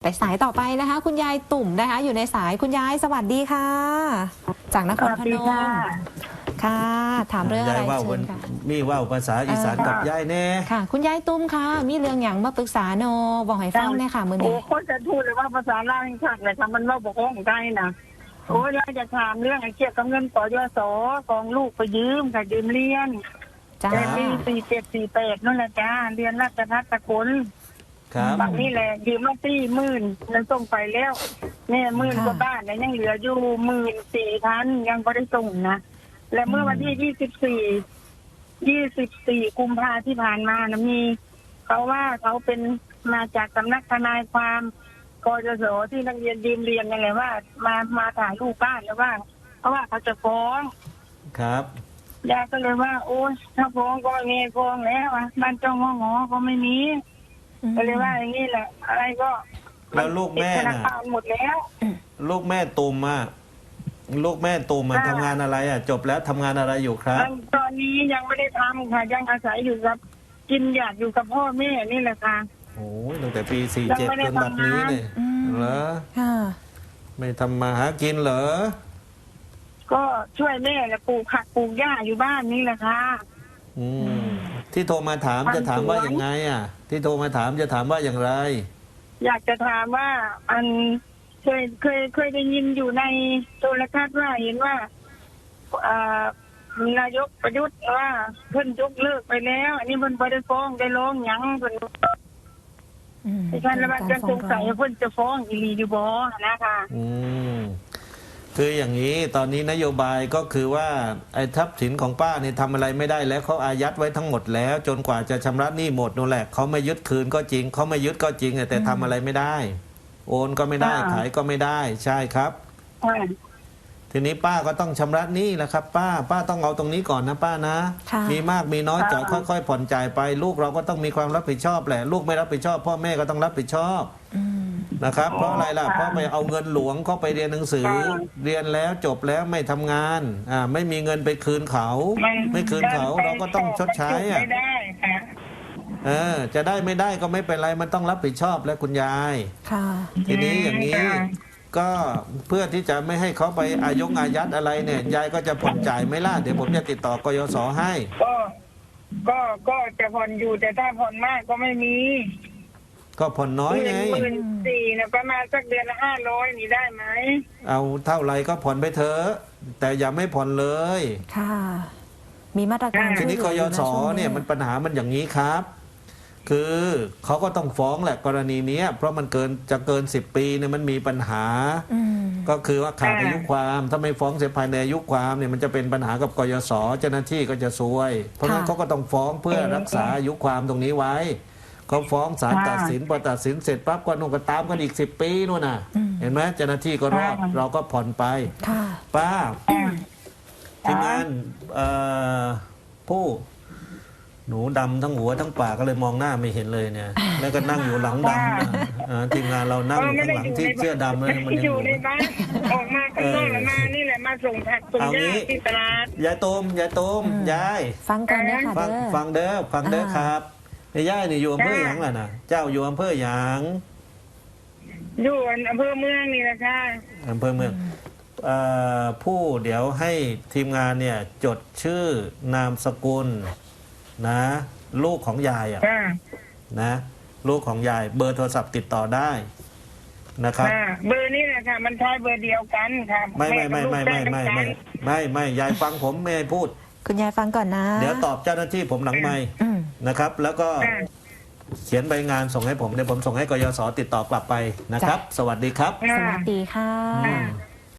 ไปสายต่อไปนะคะ คุณยายตุ่มนะคะอยู่ในสายคุณยายสวัสดีค่ะ จากนครพนมค่ะถามเรื่องอะไรเชิญค่ะมีว่าวภาษาอีสานกับยายแน่ค่ะคุณยายตุ่มค่ะมีเรื่องอย่างมาปรึกษาโนบอกให้ฟังเนี่ยค่ะมือนี้โอ้คนจะพูดเลยว่าภาษาลาวยังชัดเลยค่ะมันเล่าบอกของใจนะโอ้ยเราจะถามเรื่องไอ้เกี่ยวกับเงินปยสกองลูกไปยืมค่ะยืมเรียนจ้าปี4748นั่นแหละจ้าเรียนราชภัฏสกลครับบางนี่แหละยืมมา40,000นั้นส่งไปแล้วเนี่ย10,000 กว่าบาทเนี่ยยังเหลืออยู่14,000ยังไม่ได้ส่งนะและเมื่อวันที่24กุมภาที่ผ่านมานะมีเขาว่าเขาเป็นมาจากสำนักทนายความกยศที่นักเรียนยืมเรียนยังไงว่ามาถ่ายรูปบ้านแล้วว่าเพราะว่าเขาจะฟ้องครับยายก็เลยว่าโอ้ยถ้าฟ้องก็เงยฟ้องแล้วบ้านเจ้าง้อก็ไม่มีก็เลยว่าอย่างนี้แหละอะไรก็แล้วลูกแม่น่ะหมดแล้วลูกแม่ตุ่มทำงานอะไรจบแล้วทำงานอะไรอยู่ครับตอนนี้ยังไม่ได้ทำค่ะยังอาศัยอยู่กับกินหยาดอยู่กับพ่อแม่นี่แหละค่ะโอ้ยตั้งแต่ปี47จนบัดนี้เนี่ยเหรอไม่ทำมาหากินเหรอก็ช่วยแม่และปลูกผักปลูกหญ้าอยู่บ้านนี่แหละค่ะที่โทรมาถามจะถามว่าอย่างไงที่โทรมาถามจะถามว่าอย่างไรอยากจะถามว่าเคยได้ยินอยู่ในโทรทัศน์ว่าเห็นว่านายกประยุทธ์ว่าเพิ่นยกเลิกไปแล้วอันนี้เพิ่นบ่ได้ฟ้องได้ร้องหยังเพิ่นดิฉันแล้วมันจะสงสัยเพิ่นจะฟ้องอีหลีอยู่บ่นะคะคืออย่างนี้ตอนนี้นโยบายก็คือว่าไอ้ทรัพย์สินของป้าเนี่ยทำอะไรไม่ได้แล้วเขาอายัดไว้ทั้งหมดแล้วจนกว่าจะชำระหนี้หมดนั่นแหละเขาไม่ยึดคืนก็จริงเขาไม่ยึดก็จริงแต่ทำอะไรไม่ได้โอนก็ไม่ได้ขายก็ไม่ได้ใช่ครับทีนี้ป้าก็ต้องชำระหนี้แหละครับป้าต้องเอาตรงนี้ก่อนนะป้านะมีมากมีน้อยจ่ายค่อยๆผ่อนจ่ายไปลูกเราก็ต้องมีความรับผิดชอบแหละลูกไม่รับผิดชอบพ่อแม่ก็ต้องรับผิดชอบนะครับเพราะอะไรล่ะเพราะไปเอาเงินหลวงเข้าไปเรียนหนังสือเรียนแล้วจบแล้วไม่ทำงานไม่มีเงินไปคืนเขาไม่คืนเขาเราก็ต้องชดใช้จะได้ไม่ได้ก็ไม่เป็นไรมันต้องรับผิดชอบแล้วคุณยายทีนี้อย่างนี้ก็เพื่อที่จะไม่ให้เขาไปอายัดอะไรเนี่ยยายก็จะผ่อนจ่ายไม่ล่ะเดี๋ยวผมจะติดต่อกยศให้ก็จะผ่อนอยู่แต่ถ้าผ่อนมากก็ไม่มีก็ผ่อนน้อยไง 14,000นะประมาณสักเดือนละ500นี่ได้ไหมเอาเท่าไรก็ผ่อนไปเถอะแต่อย่าไม่ผ่อนเลยค่ะมีมาตรการทีนี้กยศเนี่ยมันปัญหามันอย่างนี้ครับคือเขาก็ต้องฟ้องแหละกรณีนี้เพราะมันเกิน10 ปีเนี่ยมันมีปัญหาก็คือว่าขาดอายุความถ้าไม่ฟ้องเสียภายในอายุความเนี่ยมันจะเป็นปัญหากับกยศเจ้าหน้าที่ก็จะซวยเพราะฉะนั้นเขาก็ต้องฟ้องเพื่อรักษาอายุความตรงนี้ไว้เขาฟ้องศาลตัดสินพอตัดสินเสร็จปั๊บก็นุ่งกระตามกันอีก10 ปีนู่นน่ะเห็นไหมเจ้าหน้าที่ก็รอดเราก็ผ่อนไปป้าทีมงานผู้หนูดำทั้งหัวทั้งปากก็เลยมองหน้าไม่เห็นเลยเนี่ยแล้วก็นั่งอยู่หลังดำทีมงานเรานั่งอยู่ข้างหลังที่เสื้อดำเลยมันยังอยู่ในบ้านออกมาข้างนอกมานี่แหละมาส่งผักส่งหญ้าที่ตลาดยายตูมยายฟังกันนะคะฟังเด้อครับยายนี่อยู่อำเภอหยางล่ะนะเจ้าอยู่อำเภอหยางอยู่อำเภอเมืองนี่แหละค่ะอำเภอเมืองผู้เดี๋ยวให้ทีมงานเนี่ยจดชื่อนามสกุลนะลูกของยายนะลูกของยายเบอร์โทรศัพท์ติดต่อได้นะครับเบอร์นี้แหละค่ะมันใช้เบอร์เดียวกันค่ะไม่ยายฟังผมไม่ให้พูดคุณยายฟังก่อนนะเดี๋ยวตอบเจ้าหน้าที่ผมหลังไมค์นะครับแล้วก็เขียนใบงานส่งให้ผมเดี๋ยวผมส่งให้กยศติดต่อกลับไปนะครับสวัสดีครับสวัสดีค่ะ